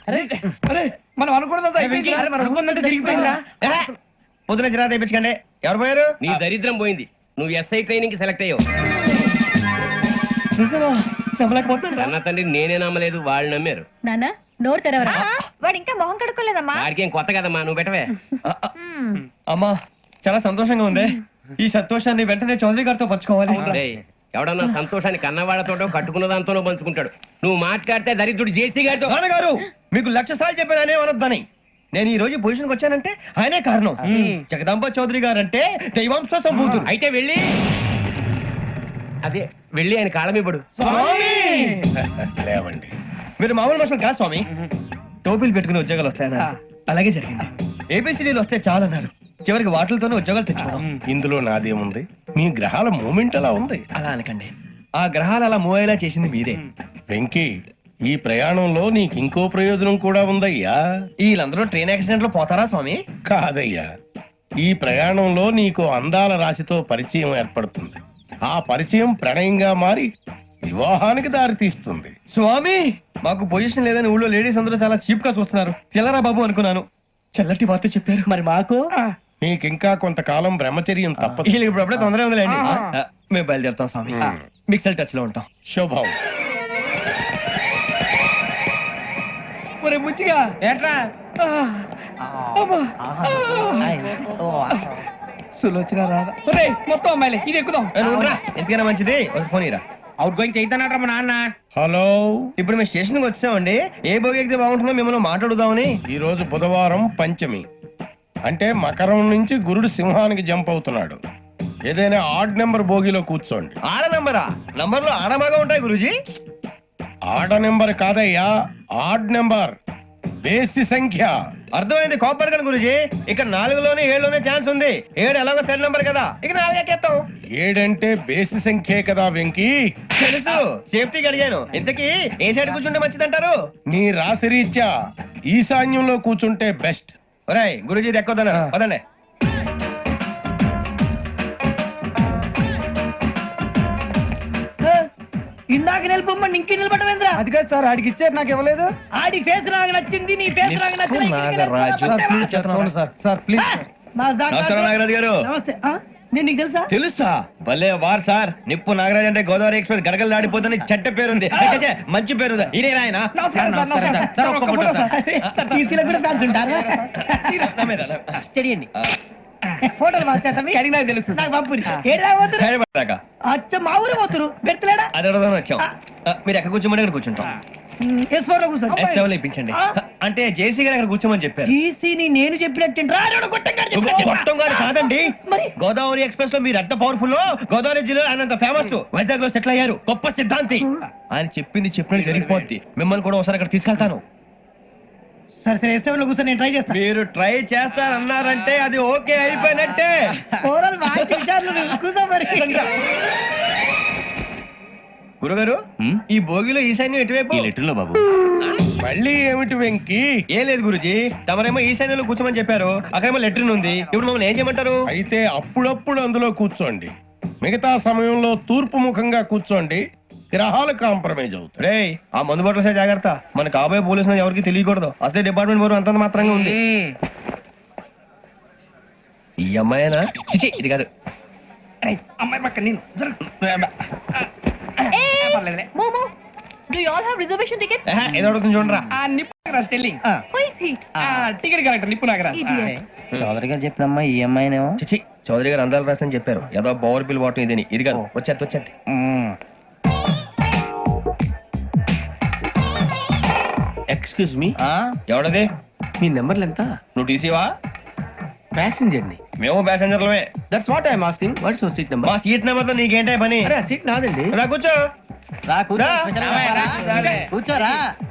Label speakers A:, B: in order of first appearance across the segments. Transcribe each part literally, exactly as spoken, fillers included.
A: మనం అనుకున్నదంతా జరిగిపోయిందిరా.
B: పొద్దున జిరా తెప్పించకండి. ఎవరు పోయారు?
C: నీ దరిద్రం పోయింది. నువ్వు ఎస్ఐ ట్రైనింగ్ కి సెలెక్ట్ అయ్యావు. అన్న తండ్రి నేనే నమ్మలేదు, వాళ్ళు నమ్మారు.
D: నాన్న నోరు తెరవరా.
E: వాడు ఇంకా మొహం కడుక్కోలేదమ్మా.
C: వాడికి ఏం కొత్త కదమ్మా, నువ్వు పెట్టవే.
B: అమ్మా చాలా సంతోషంగా ఉంది. ఈ సంతోషాన్ని వెంటనే చౌదరి గారితో పంచుకోవాలి.
C: డేయ్, ఎవడన్నా సంతోషాన్ని కన్నవాళ్లతోటో కట్టుకున్న దాంతోనో పంచుకుంటాడు. నువ్వు మాట్లాడితే దరిద్రుడు జేసీ గారితో.
B: నాన్నగారు మీకు లక్ష సార్లు చెప్పాననే అనొద్దని. నేను ఈ రోజు పొజిషన్కి వచ్చానంటే ఆయనే కారణం. జగదాంబ చౌదరి గారు అంటే దైవాంశ సంభూతుడు.
C: అయితే వెళ్ళి అదే వెళ్ళి ఆయన కాళ్ళ మీద పడు.
F: లేవండి.
B: మీరు మామూలు మనుషులు కాదు స్వామి. టోపీలు పెట్టుకుని ఉద్యోగాలు వస్తాయన్నారు, అలాగే జరిగింది. ఏబిసిడీలు వస్తే చాలన్నారు, చివరికి వాటిలతోనే ఉద్యోగాలు తెచ్చుకోవడం.
F: ఇందులో నాదేముంది? మీ గ్రహాల మూమెంట్ అలా ఉంది.
B: అలా అనకండి, ఆ గ్రహాలు అలా మూవ్ అయ్యేలా చేసింది మీరే.
F: వెంకీ, ఈ ప్రయాణంలో నీకు ఇంకో ప్రయోజనం కూడా ఉందయ్యా.
B: వీళ్ళందరూ ట్రైన్ యాక్సిడెంట్ లో పోతారా స్వామి?
F: కాదయ్యా, ఈ ప్రయాణంలో నీకు అందాల రాశితో పరిచయం ఏర్పడుతుంది. ఆ పరిచయం ప్రణయంగా మారి వివాహానికి దారి తీస్తుంది.
B: స్వామి మాకు పొజిషన్ లేదని ఊళ్ళో లేడీస్ అందరూ చాలా చీప్ గా చూస్తున్నారు. తెల్లరా బాబు అనుకున్నాను, చల్లటి వార్త చెప్పారు. మరి మాకు
F: నీకింకా కొంతకాలం బ్రహ్మచర్యం తప్పదు.
B: వీళ్ళకి ఇప్పుడు అప్పుడే తొందరగా ఉందిలేండి. ఆ, మేము బయలుదేరుతాం స్వామి. మిక్సెల్ టచ్ లో ఉంటాం.
F: శుభం.
A: ఒరే బుచ్చిగా
B: ఏంట్రా
A: సులోచన రాదా? ఒరే మొత్తం అమ్మాయిలే, ఇది ఎక్కుదాం.
B: ఎందుకైనా మంచిది ఒక ఫోన్ ఇరా.
A: అవుట్ గోయింగ్ చేద్దానట్రా మా నాన్న.
F: హలో,
B: ఇప్పుడు మేము స్టేషన్ కి వచ్చామండి. ఏ బోగి ఎక్కితే బాగుంటుందో మిమ్మల్ని మాట్లాడుదామని.
F: ఈ రోజు బుధవారం పంచమి, అంటే మకరం నుంచి గురుడు సింహానికి జంప్ అవుతున్నాడు. ఏదైనా ఆడ్ నెంబర్ బోగిలో కూర్చోండి.
B: ఆడ నంబరా? నంబర్లు ఆడబాగా ఉంటాయి గురూజీ.
F: ఆడ నెంబర్ కాదయ్యా, ఆడ్ నెంబర్, బేసి సంఖ్య.
B: అర్థమైంది, కాపర్ కానీ గురూజీ. ఇక్కడ నాలుగులోనే ఏడులోనే ఛాన్స్ ఉంది. ఏడు ఎలాగో సెడ్ నంబర్ కదా, ఇక నాలుగు ఎక్కేస్తాం.
F: ఏడంటే బేసి సంఖ్యే కదా వెంకీ.
B: తెలుసు, సేఫ్టీకి అడిగాను. ఇంతకీ ఏ సైడ్ కూర్చుంటే మంచిదంటారు?
F: నీ రాశి రీత్యా ఈశాన్యంలో కూర్చుంటే బెస్ట్.
B: ఒరేయ్ గురూజీ దెక్కొద్దన్నారు, పదండి.
A: ఇందాక నిలబొమ్మని ఇంకే నిలబడమేంద్రా? అది కాదు సార్, ఆడికి ఇచ్చారు, నాకు ఇవ్వలేదు. ఆడి ఫేస్ నాకు నచ్చింది, నీ ఫేస్ నాకు నచ్చింది.
B: నాగరాజు.
A: Sir please.
B: నమస్కారం నాగరాజు గారు.
A: నమస్తే. ఆ, నేను నీకు తెలుసా?
B: తెలుసా? భలే వార్ సార్. నిప్పు నాగరాజ్ అంటే గోదావరి ఎక్స్ప్రెస్ గడగలు దాడిపోతుంది చెట్ట పేరుంది. ఛే, మంచి పేరుంది. ఇదే ఆయన.
A: నమస్కారం సార్, నమస్కారం సార్. ఒక్క ఫోటో సార్. సార్ టీసీలో కూడా ఫ్యాన్స్ ఉంటారా? స్టడీ అండి. ఫోటోలు మార్చేస్తా, మీకు అడిగినా తెలుసు. నాకు పంపురి. ఏడా పోతురు?
B: హైదరాబాద్.
A: అచ్చ మా ఊరు పోతురు. బెర్తలేడా?
B: అది అడగదామని వచ్చాం. ఆ, మీరు ఎక్కడ కూర్చోమని అక్కడ కూర్చుంటాం.
A: ఎస్ ఫోర్ లో కూర్చోండి.
B: ఎస్ సెవెన్ లో ఇప్పించండి. అంటే జేసీ గారు అక్కడ కూర్చోమని చెప్పారు.
A: టీసీని నేను చెప్పినట్టు
B: గొట్టం గారు కాదండి.
A: మరి
B: గోదావరి ఎక్స్ప్రెస్ లో మీరు ఎంత పవర్ఫుల్. గోదావరి జిల్లా ఆయన అంత ఫేమస్. వైజాగ్ లో సెటిల్ అయ్యారు. గొప్ప సిద్ధాంతి. ఆయన చెప్పింది చెప్పినట్టు జరిగిపోద్ది. మిమ్మల్ని కూడా ఒకసారి అక్కడ తీసుకెళ్తాను.
A: సరే సరే ఎస్ సెవెన్ లో కూర్చొని నేను ట్రై చేస్తాను.
B: మీరు ట్రై చేస్తారన్నారంటే అది ఓకే అయిపోయినట్టే. గురుగారు, ఈ భోగిలో ఈశాన్యం ఎటువైపు?
C: లెటర్లో బాబు.
F: మళ్ళీ ఏమిటి వెంకీ?
B: ఏం లేదు గురుజీ, తమరేమో ఈశాన్యంలో కూర్చోమని చెప్పారు. అక్కడేమో లెటర్ ఉంది. ఇప్పుడు మమ్మల్ని ఏం చేయమంటారు?
F: అయితే అప్పుడప్పుడు అందులో కూర్చోండి. మిగతా సమయంలో తూర్పు ముఖంగా కూర్చోండి. గ్రహాలు కాంప్రమైజ్ అవుతాయి.
B: రే, ఆ మందు బట్టలసే జాగ్రత్త. మన కాబోయే పోలీసులు ఎవరికి తెలియకూడదు. అసలే డిపార్ట్మెంట్ బోర్ అంతంత మాత్రంగా ఉంది. ఈ అమ్మాయినా? చిచి, ఇది కాదు.
A: అమ్మాయి పక్క నేను.
D: Momo, do you all have reservation tickets?
B: ఏహే, ఏదో అడుగుతుంది చూడరా.
A: ఆ నిప్పు Nagaraj telling.
D: Who is he?
A: ఆ టికెట్ కరెక్ట్ నిప్పు నాగరాజ్.
D: Idiot.
G: చౌదరి గారు చెప్పినమ్మా ఈ అమ్మాయినేమో.
B: చిచి, చౌదరి గారు అందాలు రాసని చెప్పారు. ఏదో పవర్ బిల్ వాటం ఇదని. ఇది కాదు, వచ్చేది వచ్చేది.
G: Excuse me,
B: ఎవడది?
G: మీ నెంబర్లు ఎంత?
B: నువ్వు టీసీవా?
G: ప్యాసింజర్ ని.
B: మేము ప్యాసెంజర్లమే.
G: That's what I'm asking. What's your seat number?
B: మా సీట్ నెంబర్ తో నీకేంటే పని?
G: అరే సీట్ నాదండి.
B: రా కూర్చో.
G: రా కూర్చో.
B: రా.
G: కూర్చోరా.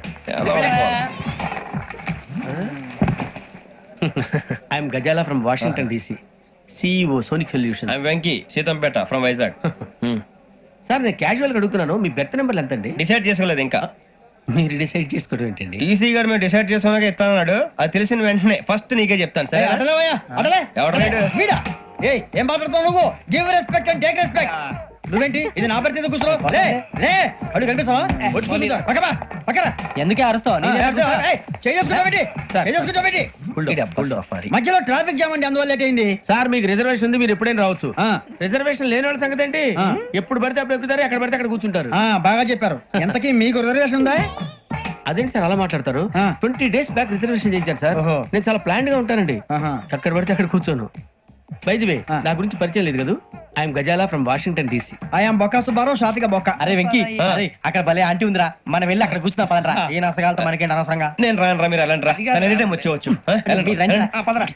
G: I'm Gazala from Washington DC, CEO Sonic solution.
B: I'm Venky, Seethampeta from Vizag.
G: Sir నేను క్యాజువల్ గా అడుగుతున్నాను, మీ బెర్త్ నెంబర్లు ఎంత అండి?
B: డిసైడ్ చేసుకోలేదు ఇంకా.
G: మీరు డిసైడ్ చేసుకోవడం ఏంటండి?
B: టీసీ గారు మేము డిసైడ్ చేసుకున్నాక ఇస్తానన్నాడు. అది తెలిసిన వెంటనే ఫస్ట్ నీకే చెప్తాను. సరే ఎవడ
A: ఏం మాట్లాడుతావు నువ్వు? Give respect and take respect. నువ్వేంటి ఇది నా పరిస్థితి కూర్చో లే లే అడుగు కనిపిస్తావా వచ్చి కూర్చుంటా పక్కమా పక్కరా
G: ఎందుకే అరుస్తావు
A: మధ్యలో ట్రాఫిక్ జామ్ అండి అందువల్ల లేట్ అయింది
G: సార్ మీకు రిజర్వేషన్ ఉంది మీరు ఎప్పుడైనా రావచ్చు
A: ఆ.
G: రిజర్వేషన్ లేని వాళ్ళ సంగతి ఏంటి
A: ఆ.
G: ఎప్పుడు పడితే అప్పుడు ఎక్కుతారు ఎక్కడ పడితే అక్కడ కూర్చుంటారు
A: ఆ, బాగా చెప్పారు ఎంతకీ మీకు రిజర్వేషన్ ఉందా
G: అదేంటి సార్ అలా మాట్లాడతారు
A: ఆ.
G: ట్వంటీ డేస్ బ్యాక్ రిజర్వేషన్ చేయించారు సార్
A: ఓహో.
G: నేను చాలా ప్లాన్ గా ఉంటానండి
A: ఆహా.
G: అక్కడ పడితే అక్కడ కూర్చోను బై ది వే
A: ఆ.
G: నా గురించి పరిచయం లేదు కదా I'm Gazala from Washington DC
A: I'm బొక్క సుబ్బారావు షాతిక బొక్క
G: అరే వెంకీ
D: ఆ.
G: అరే అక్కడ భలే ఆంటీ ఉందిరా మనం వెళ్ళి అక్కడ కూర్చున్నా పదనరా ఏ నసగాలతో మనకేంటి అనవసరంగా
B: నేను రాను రా మీరు వెళ్ళండి రా తన ఎనీ టైం వచ్చేవచ్చు ఆ, వెళ్ళండి,
G: మీరు రండి రా.
B: వెళ్ళండి.